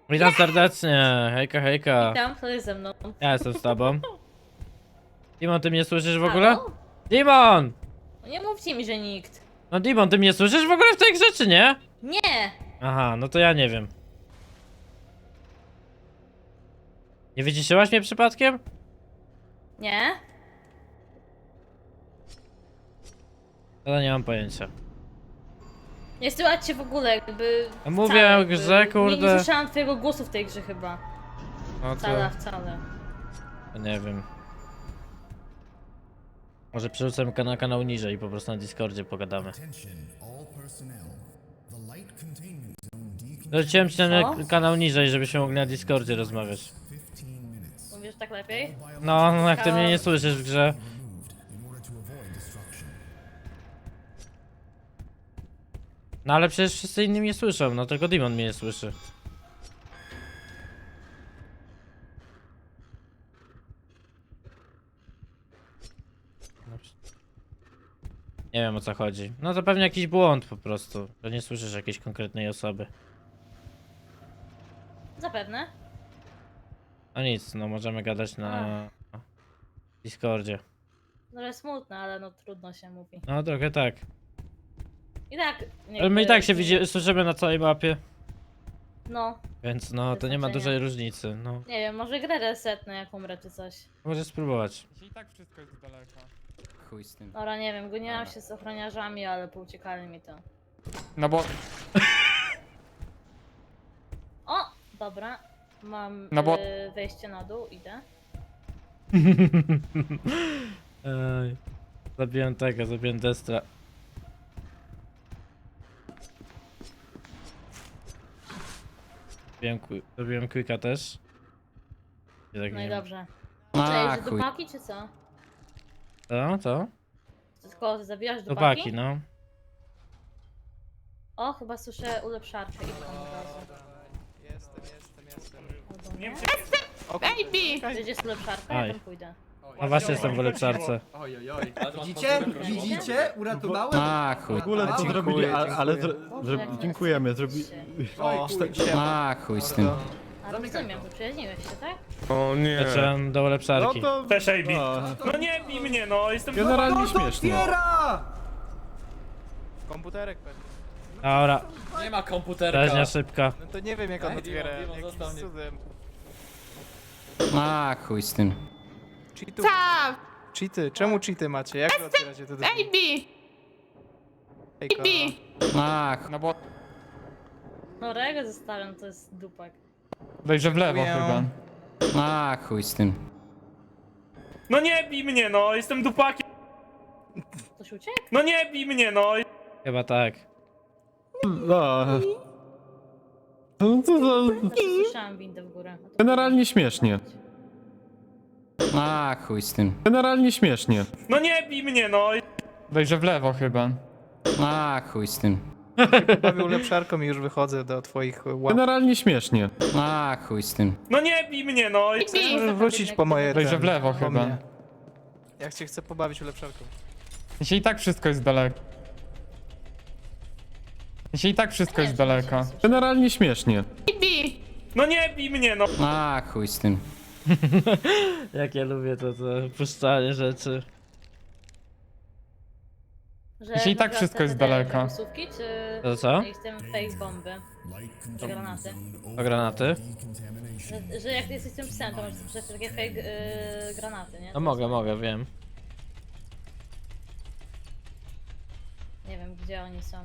Witam serdecznie, hejka, hejka. Witam, kto jest ze mną? Ja jestem z tobą. Dimon, ty mnie słyszysz w ogóle? Halo? Dimon! No nie mówcie mi, że nikt. No Dimon, ty mnie słyszysz w ogóle w tej grze, czy nie? Nie! Aha, no to ja nie wiem. Nie wyciszyłaś mnie przypadkiem? Nie? No nie mam pojęcia. Nie słychać cię w ogóle, jakby... No mówię wcale, o grze, jakby Nie kurde. słyszałam twojego głosu w tej grze chyba. No Wcale, wcale. to nie wiem. Może przerzucę na kanał niżej i po prostu na Discordzie pogadamy. Dorzuciłem ci na Co? kanał niżej, żebyśmy mogli na Discordzie rozmawiać. Mówisz tak lepiej? No, jak ty mnie nie słyszysz w grze. No ale przecież wszyscy inni mnie słyszą, no tylko Dimon mnie nie słyszy. Nie wiem o co chodzi. No to pewnie jakiś błąd po prostu, że nie słyszysz jakiejś konkretnej osoby. Zapewne. No nic, no możemy gadać na Discordzie. No smutne, ale no trudno się mówi. No trochę tak. I tak... Ale my i tak się nie- słyszymy na całej mapie. No, Więc no to nie ma znaczenia. dużej różnicy, no. nie wiem, może grę resetnę jak umrę czy coś. Możesz spróbować. I tak wszystko jest z daleka. Chuj z tym. Dobra, nie wiem, goniłam się z ochroniarzami, ale pouciekali mi to. No bo, O! Dobra. Mam No bo- wejście na dół, idę. Ej, zabiłem Destra. Zrobiłem Quicka też. I tak No nie i wiem. dobrze. A, Cześć, do chuj. paki czy co? Co? Ty tylko zabijasz do Chłopaki, paki? no. O, chyba słyszę ulepszarkę i tam od razu. Jestem. Albo nie? Baby! Gdzie jest ulepszarka? Aj. Ja tam pójdę. No właśnie jestem w ulepszarce. Widzicie? Widzicie? Uratowałem? A, chuj. W ogóle co zrobili, ale Boże, jak dziękujemy, Oj, A, chuj z tym. A rozumiem, to przyjaźniłeś się, tak? O nie. Zacząłem do No ulepszarki. to... Też AB. No, No nie bij mnie, no jestem... generalnie Kto to śmiesznie. otwiera? Komputerek pewnie. Dobra, Nie ma komputerka. rzeźnia szybka. No to nie wiem jak on otwiera, Dimon, jakimś został mnie. cudem. A, chuj z tym. Cheatów. Cheaty, czemu cheaty macie? Jak wy otwieracie te drzwi? AB! A, chuj. No bo... No Rego zostawiam, to jest dupak. Wejrzę w lewo chyba. A, chuj z tym. No nie bij mnie, no jestem dupakiem. Ktoś uciekł? No nie bij mnie, no. Chyba tak. No. No to Znaczy, słyszałam windę w górę. A to generalnie śmiesznie. A, chuj z tym. Generalnie śmiesznie. No nie bij mnie, no. Wejrzę w lewo chyba. A, chuj z tym. Bawię ulepszarką i już wychodzę do twoich łap. Generalnie śmiesznie. A, chuj z tym. No nie bij mnie, no. Możesz wrócić po moje... Wejrzę w lewo po chyba. mnie. Ja cię chcę pobawić ulepszarką. Jeśli i tak wszystko jest daleko. Jeśli i tak wszystko jest daleko. Generalnie śmiesznie. No nie bij mnie, no. A, chuj z tym. Jak ja lubię to puszczanie rzeczy. Że Jeśli i tak wybrać wszystko te jest te daleko. głosówki, czy... To co? Jestem fake bomby. Czy granaty. O granaty? Że jak jesteś tym psem, to możesz pisać takie fake granaty, nie? No mogę, wiem. Nie wiem, gdzie oni są.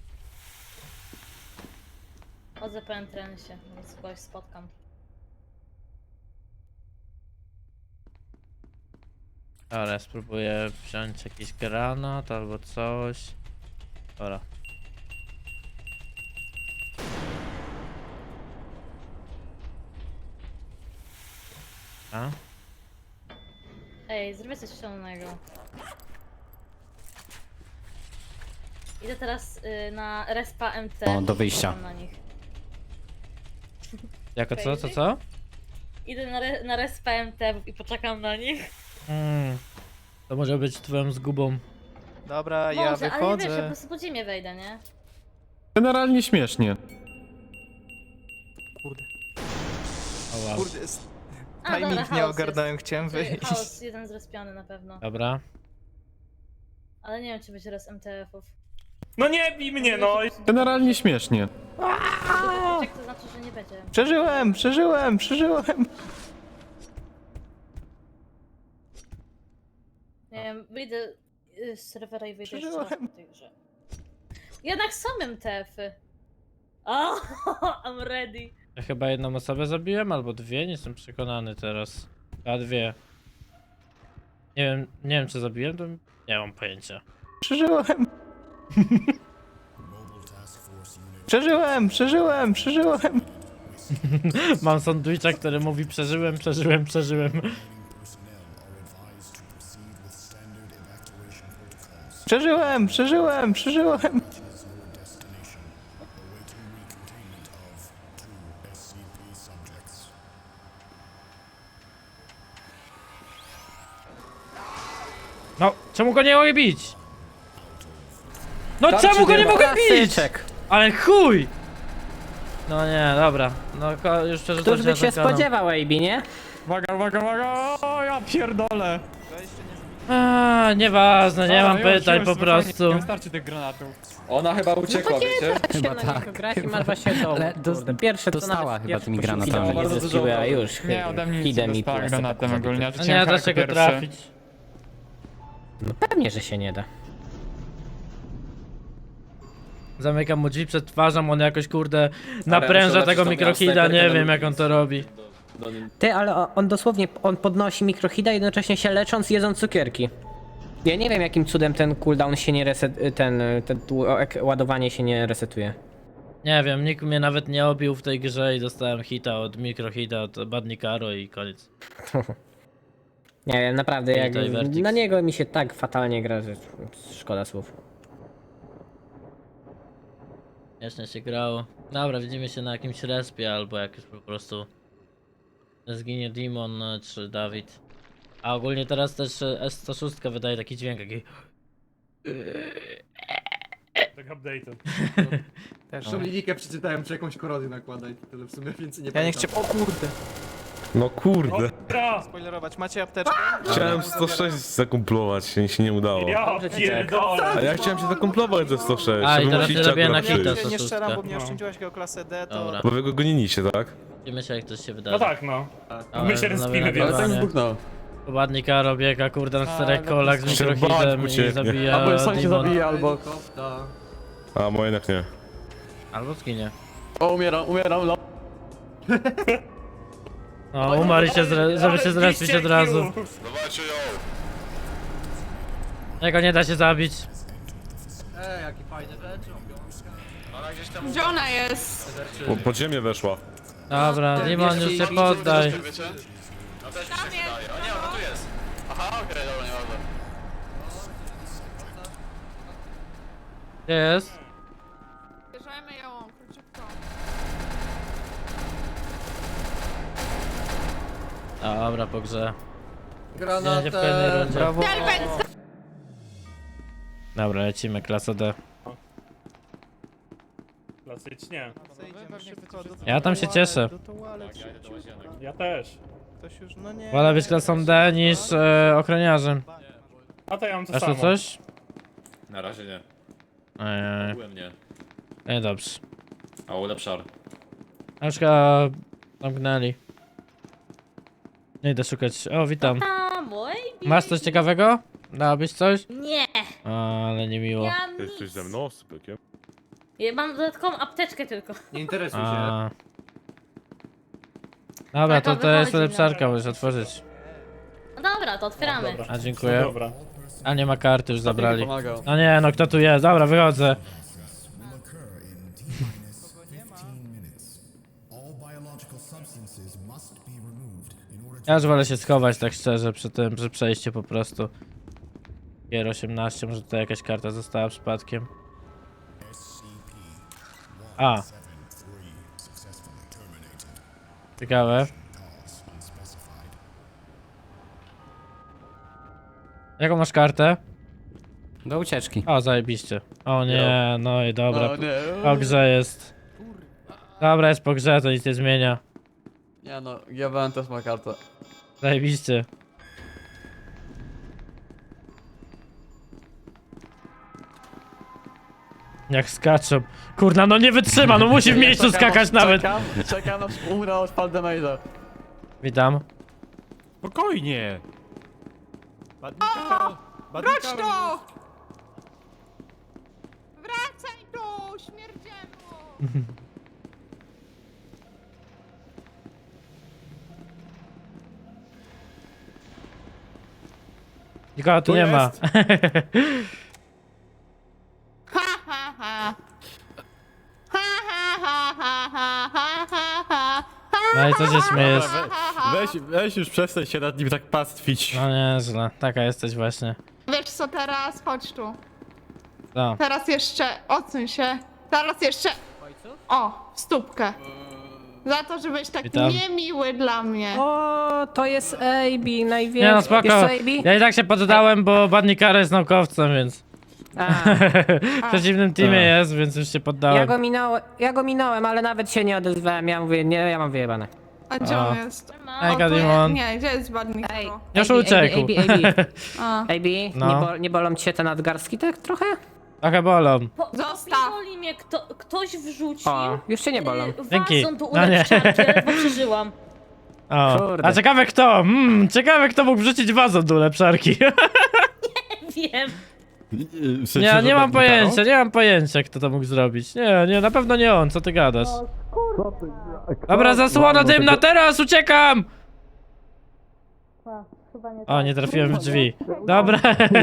Chodzę po entrensie, więc kogoś spotkam. Ale spróbuję wziąć jakiś granat albo coś. Dobra. A? Ej, zrobię coś szalonego. Idę teraz na respa MT. O, do wyjścia. Czekam na nich. Jako co? Idę na respa MT i poczekam na nich. To może być twoją zgubą. Dobra, ja Może, ale nie wiesz, ja po wychodzę. prostu po ziemię wejdę, nie? Generalnie śmiesznie. Kurde. O, wow. Kurde, A, dobra, timing nie chaos ogarnąłem, jest. chciałem Czyli wyjść. chaos, jeden zrespiony na pewno. Dobra. Ale nie wiem, czy będzie raz MTF-ów. No nie bij mnie, no! Generalnie śmiesznie. Jak to znaczy, że nie będzie? Przeżyłem! Nie wiem, wyjdę z serwera i wyjdę jeszcze Przeżyłem. raz po tej grze. Jednak są MTF-y. O, I'm ready. Ja chyba jedną osobę zabiłem, albo dwie, nie jestem przekonany teraz. A dwie. Nie wiem czy zabiłem, to nie mam pojęcia. Przeżyłem! Mam sandwicha, który mówi przeżyłem. Przeżyłem! No, czemu go nie mogę bić? No czemu go nie mogę bić? Ale chuj! No nie, dobra. No już przerzucam Któż by się na ten kanał. spodziewał, AB, nie? Uwaga, uwaga, uwaga! O, ja pierdolę! Nieważne, nie mam O, pytań już, po spokojnie, prostu. Nie wystarczy tych granatów. Ona chyba uciekła, wiecie? Chyba tak. Grać i masz właśnie to. Ale Kurde, pierwsze to dostała nawet chyba pierwsze tymi posiłki granatami. nie Bardzo zeskiły, dużo a już Nie, ode mnie nic nie hidem i dostała plus granatem tak ogólnie. No nie da się go trafić. No pewnie, że się nie da. Zamykam mu drzwi przed twarzą, on jakoś kurde napręża tego mikrohida, nie wiem jak on to robi. Ty, ale on dosłownie, on podnosi mikrohida jednocześnie się lecząc, jedząc cukierki. Ja nie wiem jakim cudem ten cooldown się nie reset, ten ładowanie się nie resetuje. Nie wiem, nikt mnie nawet nie obił w tej grze i dostałem hita od mikrohita, od Badnikaro i koniec. Nie wiem, naprawdę, jak Witaj, Vertix. na niego mi się tak fatalnie gra, że szkoda słów. Jeszcze się grało. Dobra, widzimy się na jakimś respie albo jak już po prostu zginie Demon czy Dawid. A ogólnie teraz też S106 wydaje taki dźwięk, jaki... Tak update'u. Zresztą linijkę przeczytałem, czy jakąś korozję nakłada i tyle w sumie więcej nie Ja nie pamiętam. chciałem... O kurde! No kurde. Ja, Spoilerować, macie apteczkę? Chciałem 106 zakumplować, się nie udało. ja pierdolę. A ja chciałem się zakumplować ze 106. A, i żeby teraz musicie się robię na akurat hita. przyjść. Nie strzelam, bo No. mnie oszczędziłaś go klasę D, to... Dobra. Bo wy go goniliście, tak? Widzimy się jak coś się wydarzy. No tak, no. Ale My się znowu respimy, więc... nagrywanie. Badnikaro biega kurde na czterech kolach z Trzeba mikrohidem i ucieknie. zabija Albo sam się Demon. zabije, albo... Helikopter. A, moje jednak nie. Albo zginie. O, umieram, no. No, umarł i się żeby się zrespić od razu. Dawajcie ją! Jego nie da się zabić. Jaki fajny rzecz. Gdzie ona jest? Pod ziemię weszła. Dobra, Demon już się poddaj. Tam jest. Gdzie jest? Bierzemy ją, króciutko. Dobra, po grze. Będzie w kolejnej Granatem. rundzie. Brawo! Dobra, lecimy, klasa D. Klasycznie. Zejdziemy szybko do Ja tam się toalet, cieszę. do toalet, szybciutko. Ja też. Ktoś już, no nie... Wolę być klasą D niż ochroniarzem. A to ja mam to Masz samo. tu coś? Na razie nie. Ej, Byłem nie. nie dobrze. A ulepszar. Ażka zamknęli. Nie idę szukać. O, witam. A, mój Masz coś ciekawego? Dałabyś coś? Nie, Ale niemiło. ja Jesteś nic. ze mną, sypykiem? Ja mam dodatkową apteczkę tylko. Nie interesuj się. A. Dobra, to Taka jest wychodzi, ulepszarka, dobra. możesz otworzyć. No dobra, to otwieramy. Dobra. A dziękuję. Dobra. A nie ma karty, już zabrali. No nie, no kto tu jest? Dobra, wychodzę. Ja już wolę się schować tak szczerze przy tym, przy przejściu po prostu. Gier 18, może tutaj jakaś karta została przypadkiem. A. Ciekawe. Jaką masz kartę? Do ucieczki. O, zajebiście. O nie, no i dobra. Po grze jest. Dobra, jest po grze, to nic nie zmienia. Nie no, GBN też ma kartę. Zajebiście. Jak skaczą. Kurna, no nie wytrzyma, no musi w miejscu skakać nawet. Czekam aż umrę od Paldemaida. Witam. Spokojnie. Wróć tu! Wracaj tu, śmierdzielu! Nikogo tu nie ma. jest. Ha ha ha! Ha ha ha ha ha ha ha ha! No i co się śmiejesz? Weź już przestań się nad nim tak pastwić. No nieźle, taka jesteś właśnie. Wiesz co teraz? Chodź tu. Co? Teraz jeszcze, odsuń się. Teraz jeszcze... O, w stópkę. Za to, że byłeś tak Witam. niemiły dla mnie. O, to jest AB, największy. Nie no spoko. Wiesz co, AB? Ja i tak się poddałem, bo Badnikara jest naukowcem, więc A, w przeciwnym teamie jest, więc już się poddałem. ja go minąłem, ale nawet się nie odezwałem. Ja mówię, nie, ja mam wyjebane. A gdzie O. on jest? Ej, O, tu Gadimon. Nie, gdzie jest badnik? Ej, Już AB, uciekł. AB, A. No. nie bolą cię te nadgarstki tak trochę? Trochę bolą. Zostaw. Boli mnie, ktoś wrzucił. O, już cię nie bolą. Dzięki. Wazon do No nie. uleczczarki, ledwo przeżyłam. O. Kurde. A ciekawe kto? Ciekawe kto mógł wrzucić wazon do ulepszarki. Wiem. Nie mam pojęcia, nie mam pojęcia kto to mógł zrobić. Nie, na pewno nie on, co ty gadasz? Dobra, zasłona dymna, teraz uciekam! Chyba nie O, nie trafiłem w drzwi. Dobra.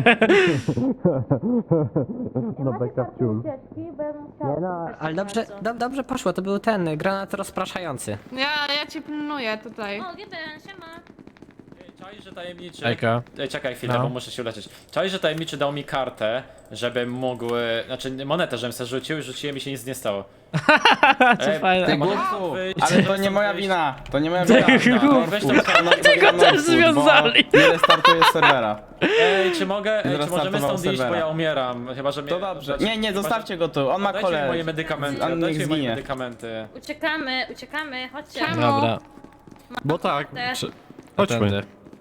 No beka w ciul. Nie no, ale dobrze poszło, to był ten granat rozpraszający. Ja cię pilnuję tutaj. O, GBN, siema. Czaj, że tajemniczy. Ejka. Ej, czekaj chwilę, No. bo muszę się uleczyć. Czaj, że tajemniczy dał mi kartę, żebym mógł. Znaczy monetę, żebym sobie rzucił i rzuciłem i się nic nie stało. Co fajne. mogę stąd wyjść? Ale to nie moja wina, to nie moja wina. No, weź tą kartę. Tego też związali. Nie restartuję serwera. Ej, czy mogę. Ej, czy możemy Zrestartował stąd iść, bo serwera. ja umieram. Chyba, że mnie. To dobrze. znaczy, Nie, zostawcie go tu, on ma Dajcie mi moje kolej. medykamenty. On niech Dajcie mi moje zginie. medykamenty. Uciekamy, chodźcie. Czemu? Dobra. Bo tak. Te. Chodźmy. Tędy.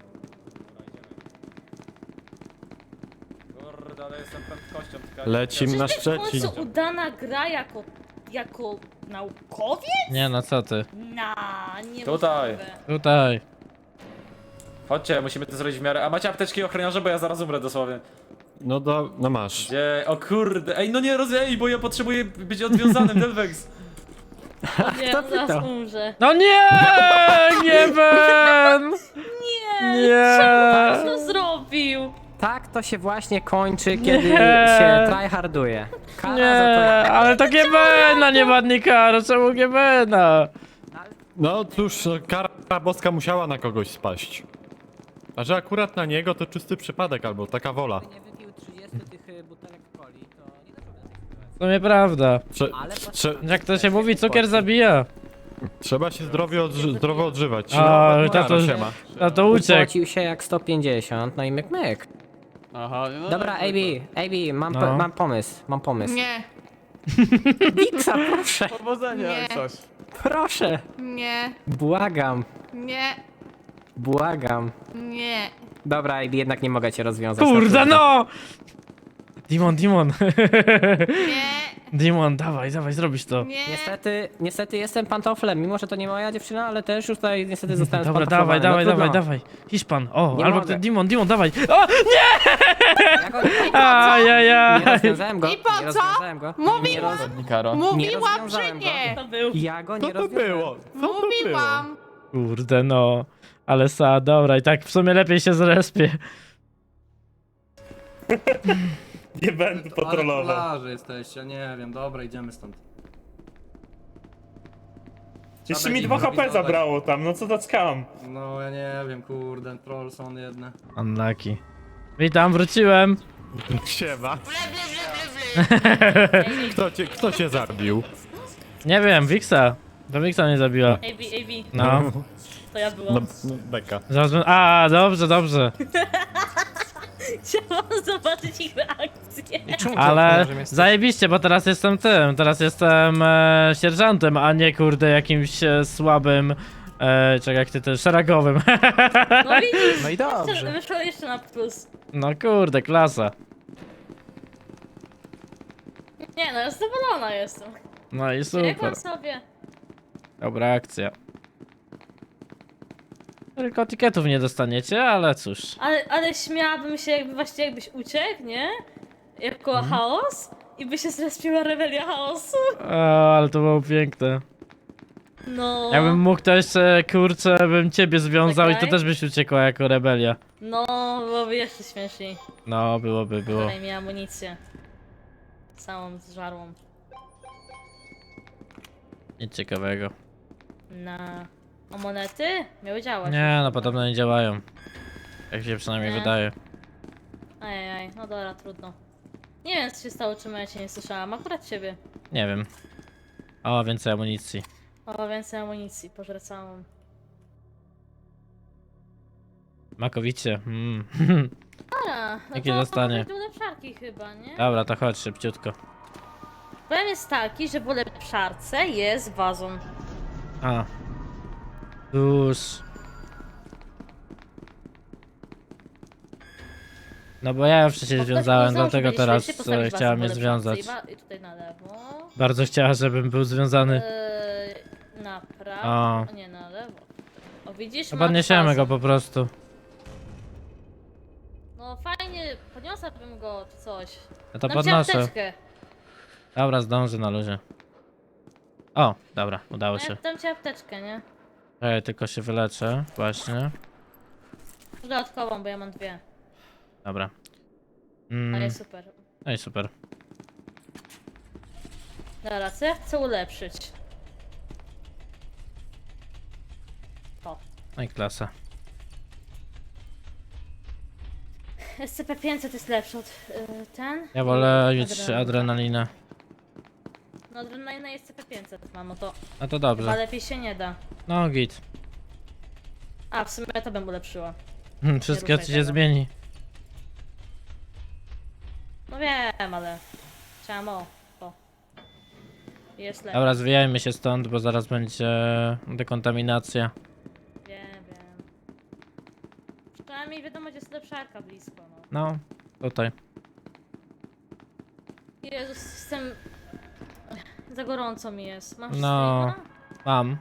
Kurde, ale jestem prędkością. tylko- Lecim na Czy to jest w Szczecin. końcu udana gra jako naukowiec? Nie no, co ty? Nie Tutaj. możliwe. Tutaj. Chodźcie, musimy to zrobić w miarę. A macie apteczki ochroniarze, bo ja zaraz umrę dosłownie. No masz. Gdzie? O kurde. Ej, no nie rozej, bo ja potrzebuję być odwiązanym, Delvex. Nie, zaraz umrze. No nie! Nie ben! Nie! Co to zrobił? Tak to się właśnie kończy, kiedy Nie. się tryharduje. Kara Nie, za to... ale to GBN, nie Badnikara, czemu GBN-a? No cóż, kara boska musiała na kogoś spaść. A że akurat na niego to czysty przypadek albo taka wola. nie wypił 30 tych butelek coli, to nie doszło do W sumie prawda. Jak to się mówi, cukier zabija. Trzeba się zdrowo odżywać. A, No, tato, siema. tato uciekł. Płacił się jak 150, no i myk myk. Aha, no Dobra, AB, No. mam pomysł. Nie, Wiksa, proszę, Powodzenia, Nie. coś. proszę, nie, błagam, nie, nie. Dobra, AB, jednak nie mogę cię rozwiązać. Kurde no! Dimon, Nie, Dimon, dawaj, zrobisz to. nie. Niestety jestem pantoflem, mimo że to nie moja dziewczyna, ale też już tutaj niestety zostałem Dobra, spantoflowany. dawaj. Hiszpan, o, Nie albo mogę. kto, Dimon, dawaj. O, nie! Ja go nie Ajajaj. rozwiązałem go. I po nie co? rozwiązałem go. Mówiłam, Nikaro. mówiłam, że rozwiązałem go. nie. To był. Ja go nie Co to rozwiązałem. było? Co to było? Mówiłam. Kurde no. Ale dobra, i tak w sumie lepiej się zrespię. Nie będę patrolował. Ale jesteście, nie wiem, dobra, idziemy stąd. Jeszcze mi 2 HP zabrało tam, no co to skam. No ja nie wiem, kurde, troll są jedne. Unlucky. Witam, wróciłem. Siema. Kto cię zabił? Nie wiem, Wiksa. To Wiksa mnie zabiła. AB, No. to ja byłam. No, beka. A, dobrze. Chciałam zobaczyć ich reakcję. Ale zajebiście, bo teraz jestem sierżantem, a nie kurde jakimś słabym Czekaj, jak ty to szeregowym. No widzisz, No i dobrze. wyszło jeszcze na plus. No kurde, klasa. Nie no, zadowolona jestem. No i super. Biegłam sobie. Dobra akcja. Tylko tiketów nie dostaniecie, ale cóż. Ale śmiałabym się jakbyś uciekł, nie? Jako chaos i by się zrespiła rebelia chaosu. O, ale to było piękne. No. Jakbym mógł to jeszcze, kurczę, bym ciebie związał i to Czekaj. też byś uciekła jako rebelia. No, byłoby jeszcze śmieszniej. No, było. Daj mi amunicję. Całą zżarłą. Nic ciekawego. A monety? Miały działać. Nie, no podobno nie działają. Jak się przynajmniej Nie? wydaje. Ajajaj, no dobra, trudno. Nie wiem co się stało, czemu ja cię nie słyszałam. Akurat ciebie. Nie wiem. O, więcej amunicji. O, więcej amunicji, pożrę całą. Makowicie. Dobra, no Jakie to dostanie? do ulepszarki chyba, nie? Dobra, to chodź szybciutko. Problem jest taki, że w ulepszarce jest wazon. A. Już. No bo ja już się związałem, dlatego teraz chciała mnie związać. I tutaj na lewo. Bardzo chciała, żebym był związany. Na prawo. O. Nie, na lewo. O, widzisz? No masz podniesiemy wazon. go po prostu. No fajnie, podniosłabym go czy coś. Ja to Dam ci podnoszę. apteczkę. Dobra, zdążę na luzie. O, dobra, udało się. Ja dam ci apteczkę, nie? Ej, tylko się wyleczę, właśnie. Dodatkową, bo ja mam dwie. Dobra. Ale super. No i super. Dobra, co ja chcę ulepszyć? To. No i klasa. SCP-500 jest lepszy od ten. Ja wolę i mieć adrenalinę. No adrenalina jest SCP-500, mamo, to No to chyba dobrze. lepiej się nie da. No git. A, w sumie to bym ulepszyła. Wszystkiego ruszaj ci się tego. zmieni. No wiem, ale chciałam o. Jest lepiej. Dobra, zwijajmy się stąd, bo zaraz będzie dekontaminacja. Wiem. Przynajmniej wiadomo, gdzie jest lepszarka blisko, no. No, tutaj. Jezus, jestem... Za gorąco mi jest. Masz No. streama? Mam.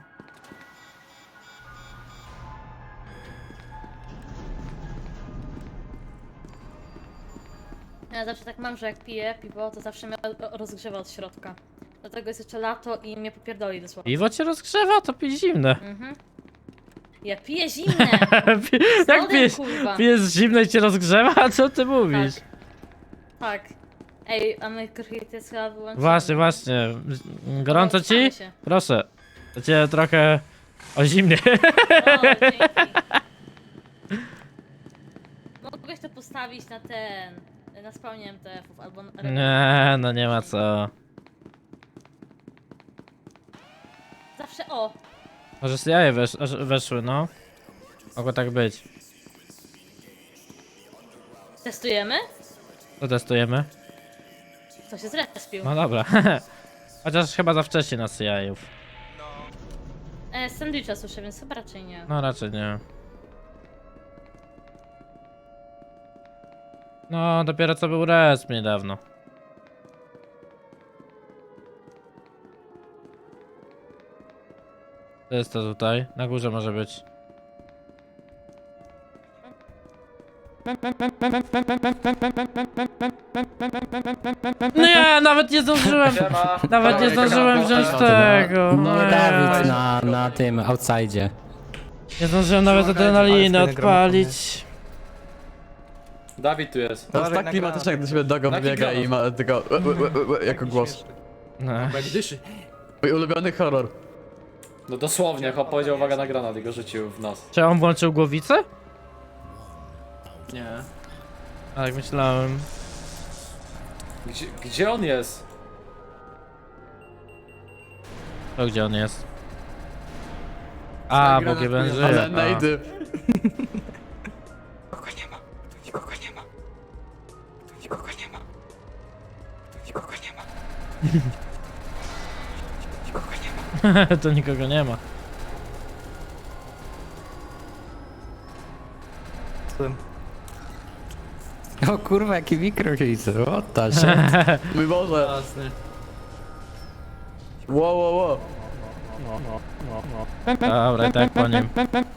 Ja zawsze tak mam, że jak piję piwo, to zawsze mnie rozgrzewa od środka. Dlatego jest jeszcze lato i mnie popierdoli dosłownie. Piwo cię rozgrzewa? To pij zimne. Ja piję zimne! Jak lodem, pijesz, kurwa. pijesz zimne i cię rozgrzewa? Co ty mówisz? Tak. Ej, a my krychity jest chyba wyłączone. Właśnie. Gorąco ci? Wstamy się. Proszę. To cię trochę o zimnie. O, dzięki. Mogłeś to postawić na ten... Na spawnie MTF-ów albo na... Nie, no nie ma co. Zawsze o! Może z jaje weszły, no. Mogło tak być. Testujemy? To testujemy. Kto się zrespił? No dobra. Chociaż chyba za wcześnie na jajów. Sandwicha słyszę, więc chyba raczej nie. No raczej nie. No, dopiero co był resp niedawno. To jest to tutaj. Na górze może być. Nie, nawet nie zdążyłem. Nawet nie zdążyłem wziąć tego. No Nie. Dawid na tym, outside. Nie zdążyłem nawet adrenaliny odpalić. Dawid tu jest. To jest tak klimatyczne, jak do siebie Dogo wybiega i ma tylko jako głos. No. Jak dyszy. Mój ulubiony horror. No dosłownie, chłop powiedział uwaga na granat i go rzucił w nos. Czy on włączył głowicę? Nie. A tak myślałem. Gdzie on jest? To gdzie on jest? A, bo GBN żyje. Ale A. najdy. To nikogo nie ma. Zgadłem. O kurwa, jaki mikrohit, what the shit. Mój Boże. Jasne. Wow. Dobra, tak po nim.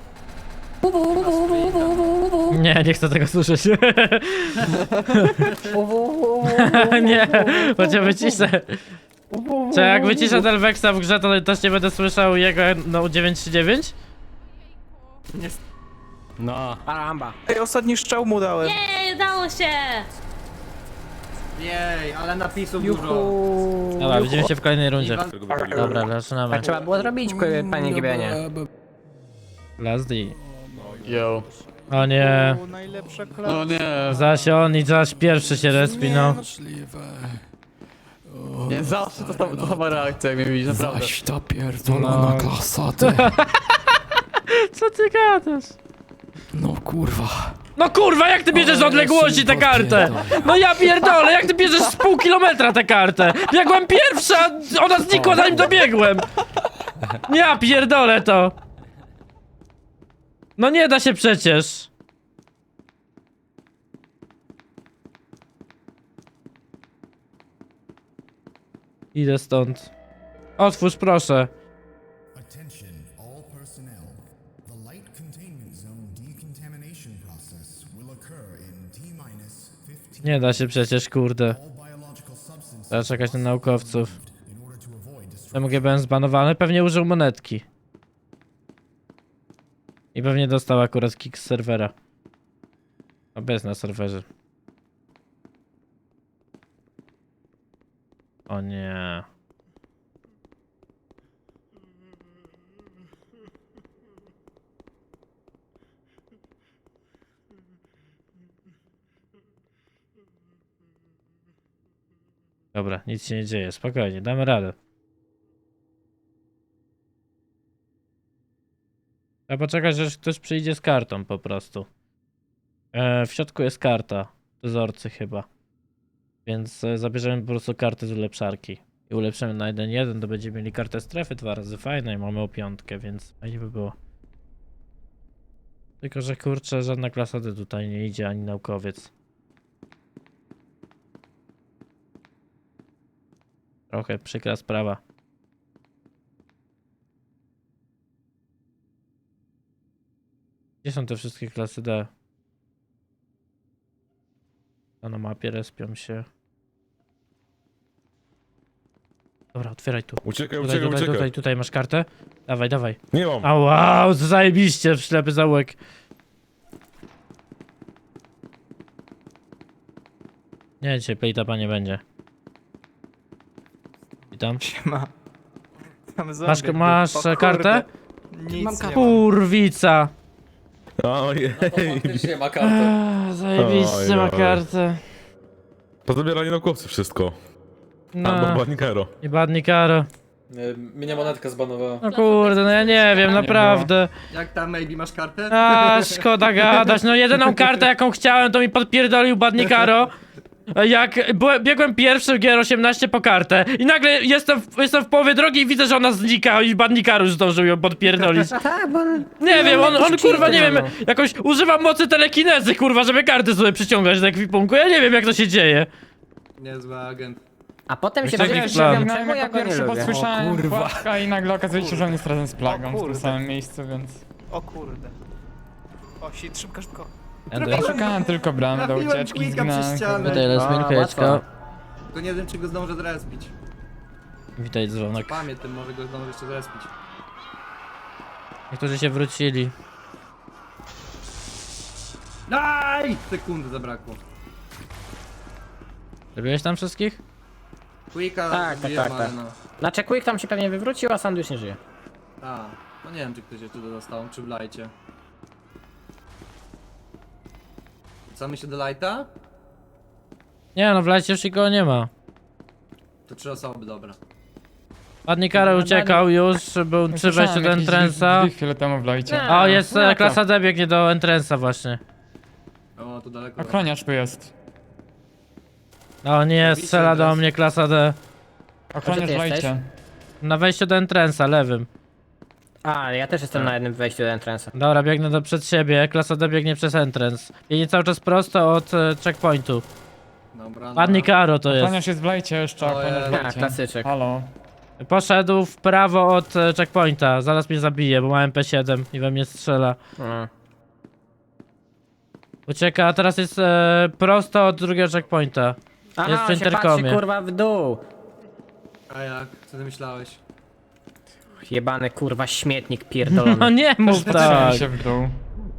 Nie chcę tego słyszeć. Nie, chociaż wyciszę. Czy jak wyciszę Delvexa w grze, to też nie będę słyszał jego no 939? No. Aramba. Ej, ostatni strzał mu dałem. Jej, udało się! Jej, ale napisów dużo. Dobra, widzimy się w kolejnej rundzie. Iwan- Dobra, zaczynamy. Tak trzeba było zrobić, panie Gibianie. Last D. Yo. O nie, O, najlepsza klasa. nie. zaś on i zaś pierwszy się respi, no. Nie, zawsze to sama reakcja, jak mnie widzisz, naprawdę. Zaś ta pierdolona klasa, ty. Co ty gadasz? No kurwa. No kurwa, jak ty bierzesz z odległości tę kartę? No ja pierdolę, jak ty bierzesz z pół kilometra tę kartę? Biegłem pierwsza, ona znikła zanim dobiegłem. Ja pierdolę to. No nie da się przecież. Idę stąd. Otwórz proszę. Attention, all personnel. The light containment zone decontamination process will occur in T-minus 15. Nie da się przecież, kurde. All biological substances Trzeba czekać na naukowców. in order to avoid destruction. MGBN zbanowany, pewnie użył monetki. I pewnie dostał akurat kick z serwera. A bez na serwerze. O nie. Dobra, nic się nie dzieje, spokojnie, damy radę. Trzeba poczekać, aż ktoś przyjdzie z kartą po prostu. W środku jest karta, dozorcy chyba. Więc zabierzemy po prostu kartę z ulepszarki. I ulepszymy na 1.1, to będziemy mieli kartę strefy 2 razy fajne i mamy o 5, więc fajnie by było. Tylko, że kurczę, żadna klasa D tutaj nie idzie, ani naukowiec. Trochę przykra sprawa. Gdzie są te wszystkie klasy D? A na mapie respią się. Dobra, otwieraj tu. Uciekaj, Tutaj, uciekaj, uciekaj. tutaj masz kartę. Dawaj, dawaj. Nie mam. A wow, zajebiście, w ślepy zaułek. Nie, dzisiaj playtapa nie będzie. Witam. Siema. Tam Masz, zombie. masz O kurde. kartę? Nic nie mam. Kurwica. Ojej. Faktycznie ma kartę. Zajebiście ma Oj, oj. kartę. Pozabierali naukowcy wszystko. No, Albo Banikero. i badni karo. Mnie monetkę zbanowała. No kurde, no ja nie wiem, naprawdę. Jak tam, maybe masz kartę? A, szkoda gadać. No jedyną kartę jaką chciałem, to mi podpierdolił Badnikaro. Jak biegłem pierwszy w G18 po kartę i nagle jestem w połowie drogi i widzę, że ona znika i Badnikaro już zdążył ją podpierdolić. Tak, bo on... Nie wiem, on kurwa, nie wiem, no. jakoś używa mocy telekinezy, kurwa, żeby karty sobie przyciągać do ekwipunku. Ja nie wiem, jak to się dzieje. Niezły agent. A potem się Taki dowiedziałem, plan. czemu ja go nie lubię. Słyszałem płatka i nagle okazuje się, że on jest razem z plagą O w tym kurde. samym miejscu, więc... O kurde. O, shit, szybko, szybko. Szukałem tylko bramy do Trafiłem ucieczki, quicka przez zginąłem. ścianę. Witaj, Lesminko, Jeczko. Tylko nie wiem, czy go zdążę zrespić. Witaj, dzwonek. Pamiętam, może go zdążę jeszcze zrespić. Niektórzy się wrócili. Aj! Sekundy zabrakło. Zrobiłeś tam wszystkich? Quicka Tak, zrobiłem, tak, ale tak. no. Znaczy Quick tam się pewnie wywrócił, a Sandwich nie żyje. A, no nie wiem, czy ktoś jeszcze dostał, czy w lajcie. Wracamy się do lighta? Nie no, w lecie już nikogo nie ma. To 3 osoby, dobra. Badnikaro uciekał już, był przy wejściu do entrance'a. Chwilę temu w lajcie. O, jest no to- klasa D biegnie do entrance'a właśnie. O, tu daleko. Ochroniarz tu jest. O nie, strzela do mnie klasa D. Ochroniarz w jesteś? lajcie. Na wejściu do entrance'a, lewym. A, ja też jestem na jednym wejściu do entrance'a. Dobra, biegnę przed siebie, klasa D biegnie przez entrance. Biegnie cały czas prosto od checkpointu. Dobra, Pan Nikaro to jest. się zblejcie jeszcze, O Jezu. A, klasyczek. Halo. Poszedł w prawo od checkpointa, zaraz mnie zabije, bo ma MP7 i we mnie strzela. No. Ucieka, a teraz jest prosto od drugiego checkpointa. Jest Aha, w on się patrzy interkomie. kurwa w dół. A jak? Co ty myślałeś? Jebany kurwa śmietnik No pierdolony. nie mów tak. w dół.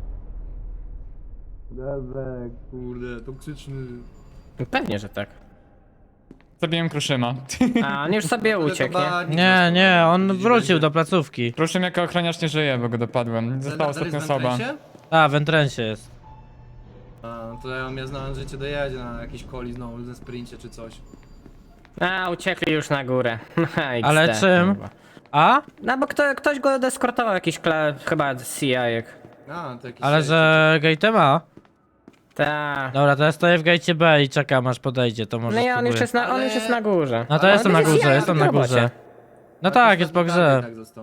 Dezek, kurde, toksyczny. Pewnie, że tak. Zabiłem Kruszyma. A, on już sobie uciekł, nie? Nie, nie, on wrócił do placówki. Kruszym jako ochroniarz nie żyje, bo go dopadłem. Została ostatnia osoba. A, w entrencie jest. A, to ja mnie znałem, że cię dojedzie na jakiś coli znowu ze sprincie czy coś. A, uciekli już na górę. XD, Ale czym? kurwa. A? No bo ktoś go deskortował, jakiś chyba CI-ek. A, to jakiś Ale sześć, że gate ma? Ta. Dobra, to ja stoję w gate B i czekam aż podejdzie, to może No i on już spróbuję. jest na górze. No to Ale jestem on na jest górze, CI jestem w na robocie. górze. No tak, jest po grze. Tak został.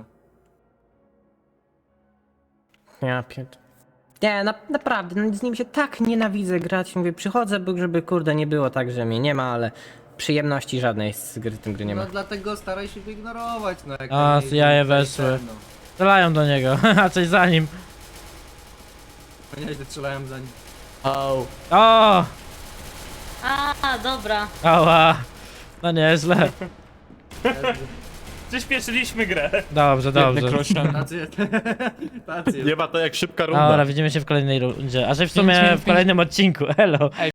Ja pierd... Nie, naprawdę, no z nim się tak nienawidzę grać. Mówię, przychodzę, żeby kurde nie było tak, że mnie nie ma, ale przyjemności żadnej z gry, tym gry nie ma. No dlatego staraj się go ignorować, no jak A, nie- CIA nie- weszły. no. Strzelają do niego, a coś za nim. No nie, strzelałem za nim. O, O! A, dobra. Ała! No nieźle. Przyspieszyliśmy grę. Dobrze, dobrze. Tacy, tacy. Nie ma to jak szybka runda. Dobra, widzimy się w kolejnej rundzie. A że w sumie w kolejnym odcinku. Elo.